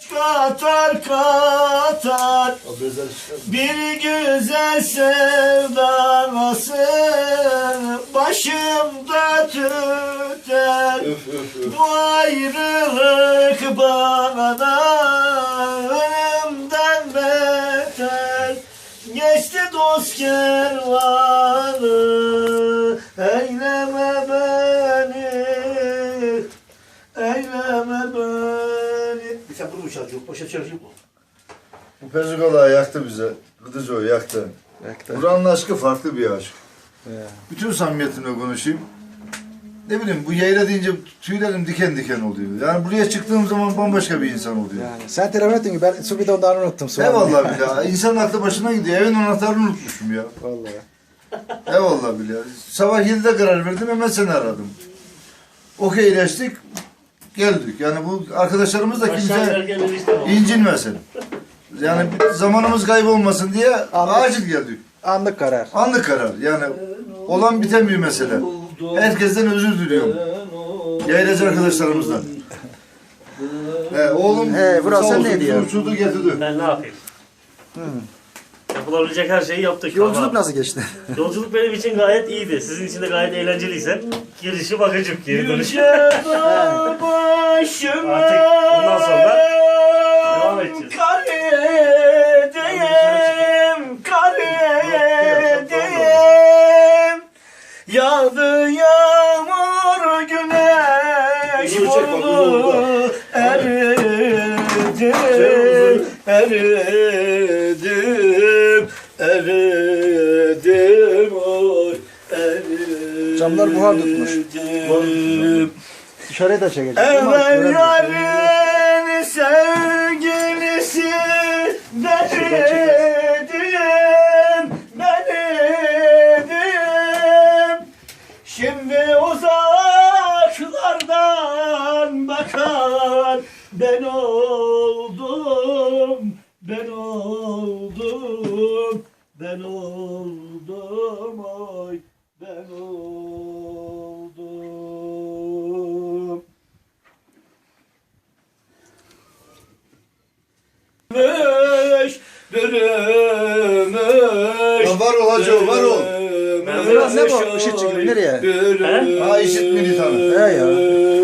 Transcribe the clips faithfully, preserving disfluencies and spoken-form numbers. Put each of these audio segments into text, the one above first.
Katar katar bir güzel sevdaması başımda tüter. Bu ayrılık bana ölümden beter. Geçti dost kervanı, eyleme beni, eyleme beni. Bir sen bunu mu çalacak? Başka çalacak mı? Bu Pezikola yaktı bize. Gıdıcı o yaktı. Yaktı. Buranın aşkı farklı bir aşk. Ya. Bütün samimiyetimle konuşayım. Ne bileyim bu yayla deyince tüylerim diken diken oluyor. Yani buraya çıktığım zaman bambaşka bir insan oluyor. Yani sen telefon ettin ki ben su bidonlarını unuttum. Su Eyvallah billahi. İnsanın aklı başına gidiyor. Evin anahtarını unutmuşum ya. Vallahi. Eyvallah billahi. Sabah yedide karar verdim, hemen seni aradım. Okeyleştik. Geldik. Yani bu arkadaşlarımız da kimse incinmesin. Yani zamanımız kaybolmasın diye acil geldik. Anlık karar. Anlık karar. Yani olan biten bir mesele. Herkesten özür diliyorum. Yaylacı arkadaşlarımızdan. He, oğlum He, burası sağ olsun, ne diyor? uçurdu getirdi. Ben ne yapayım? Hmm. Yapılabilecek her şeyi yaptık. Yolculuk ama nasıl geçti? Yolculuk benim için gayet iyiydi. Sizin için de gayet eğlenceliyse girişi bakıcık geri dönüş. Yüce başıma Artık ondan sonra devam edeceğiz. kar edeyim, kar edeyim. Yağdı yağmur, güneş vurdu, eridim, eridim, eridim, oy, eridim. Camlar buhar tutmuş. Dışarıya da çekecek. Evvel yarın sevgilisi dedim, dedim. Şimdi uzaklardan bakan ben oldum, ben oldum, ben oldum, oy, ben oldum. Bürümüş, bürümüş. Ya var ol hacı, var ol. Biraz ne bu? Işık çıkıyor. Nereye? Ha işit militanı. He ya.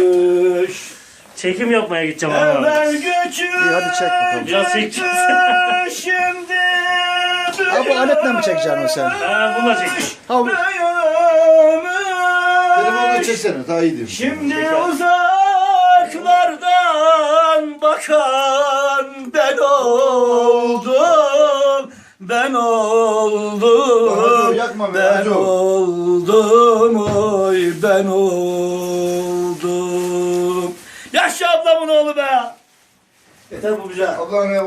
Çekim yapmaya gideceğim ama. Evvel göçü. İyi hadi çek bakalım. Biraz çekeceğiz. Şimdi Ha bu aletle mi çekeceksin o sen? Ha, bununla çekeceğim. Ha, Telefonla çeksene, daha iyi değil. Şimdi uzaklardan bakan ben oldum, ben oldum, Hacı, yakma be, ben hacı. oldum, oy ben oldum. Yaşa ablamın oğlu be. Yeter bu güzel. Ablam ya.